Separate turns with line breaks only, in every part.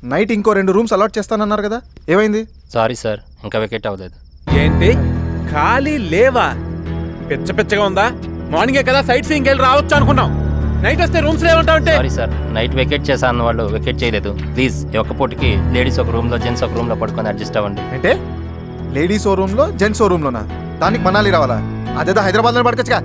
Night ఇంకో 2 rooms allot చేస్తానన్నారు కదా, ఏమైంది?
సారీ సార్, ఇంకా వెకేట్ అవ్వలేదు.
ఏంటి ఖాళీ లేవా? పిచ్చగా ఉందా? మార్నింగే కదా సైట్ సీయింగ్ వెళ్ళి రావచ్చు అనుకున్నాం, నైట్ వస్తే రూమ్స్ లేవంటావంటే.
సారీ సార్, నైట్ వెకేట్ చేశా అన్న వాళ్ళు వెకేట్ చేయలేదు. ప్లీజ్ ఈ ఒక్క పూటకి లేడీస్ ఒక రూమ్ లో, జెంట్స్ ఒక రూమ్ లో పడుకొని అడ్జస్ట్ అవ్వండి.
అంటే లేడీస్ ఓ రూమ్ లో, జెంట్స్ ఓ రూమ్ లోనా? దానికి మనాలి రావాలా? అదేదో హైదరాబాద్ లో పడకొచ్చుగా.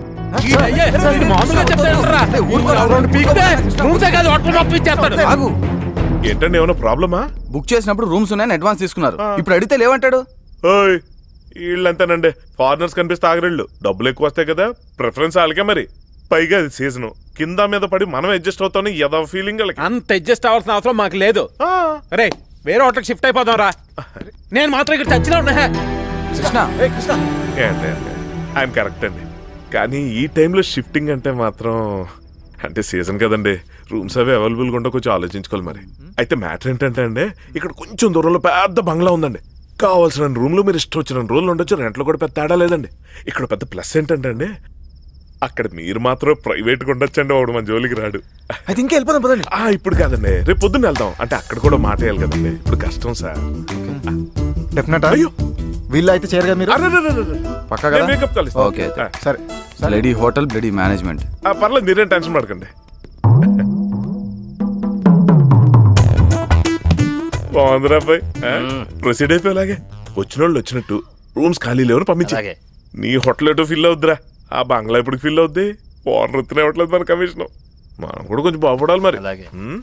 ఏంటండి ఏమైనా ప్రాబ్లమా?
బుక్ చేసినప్పుడు రూమ్స్ ఉన్నాయని అడ్వాన్స్ తీసుకున్నారు, ఇప్పుడు అడిగితే లేవంటాడు.
ఓయ్ వీళ్ళంతేనండి, ఫారినర్స్ కనిపిస్తే ఆగరిళ్ళు, డబ్బులు ఎక్కువ వస్తాయి కదా, ప్రిఫరెన్స్ వాళ్ళకే. మరి పైగా అది సీజన్, కింద మీద పడి మనం అడ్జస్ట్ అవుతాం, ఏదో ఫీలింగ్ వాళ్ళకి.
అంత అడ్జస్ట్ అవ్వాల్సిన అవసరం మాకు లేదు. అరే వేరే హోటల్కి షిఫ్ట్ అయిపోదాం రా. నేను మాత్రం ఇక్కడ చచ్చినా ఉన్నా.
కృష్ణ
ఏంటి ఆయన కరెక్ట్ అండి, కానీ ఈ టైంలో షిఫ్టింగ్ అంటే మాత్రం, అంటే సీజన్ కదండి, రూమ్స్ అవి అవైలబుల్గా ఉంటే కొంచెం ఆలోచించుకోవాలి. మరి అయితే మ్యాటర్ ఏంటంటే అండి, ఇక్కడ కొంచెం దూరంలో పెద్ద బంగ్లా ఉందండి, కావాల్సిన రూమ్లో మీరు ఇష్టం వచ్చిన రోజులు ఉండొచ్చు, రెంట్లో కూడా పెద్ద తేడా లేదండి. ఇక్కడ పెద్ద ప్లస్ ఏంటంటే అండి, అక్కడ మీరు మాత్రం ప్రైవేట్గా ఉండొచ్చండి, వాడు మన జోలికి రాడు.
అయితే ఇంకా వెళ్ళిపోదాం పదండి.
ఇప్పుడు కాదండి, రేపు పొద్దున్న వెళ్దాం. అంటే అక్కడ కూడా మాట వేయాలి కదండి, ఇప్పుడు కష్టం సార్.
డెఫినెట్.
అయ్యో
వీళ్ళు అయితే చేయరు కదా మీరు? పక్కా కదా?
మేకప్ కలుస్తాం.
ఓకే
సరే.
Bloody hotel, bloody management.
పర్లేదు, మీరేం టెన్షన్ పడకండి. బాగుందిరా అబ్బాయి, ప్రొసీడ్ అయిపోయేలాగే. వచ్చిన వాళ్ళు వచ్చినట్టు, రూమ్స్ ఖాళీ లేవని పంపించి.
అలాగే.
నీ హోటల్ ఎటో ఫిల్ అవుద్దిరా, ఆ బంగ్లా ఎప్పుడు ఫిల్ అవుద్ది? ఓనర్ వృత్తినే ఇవ్వట్లేదు మన కమిషన్, మనం కూడా కొంచెం బాగుపడాలి మరి.
అలాగే.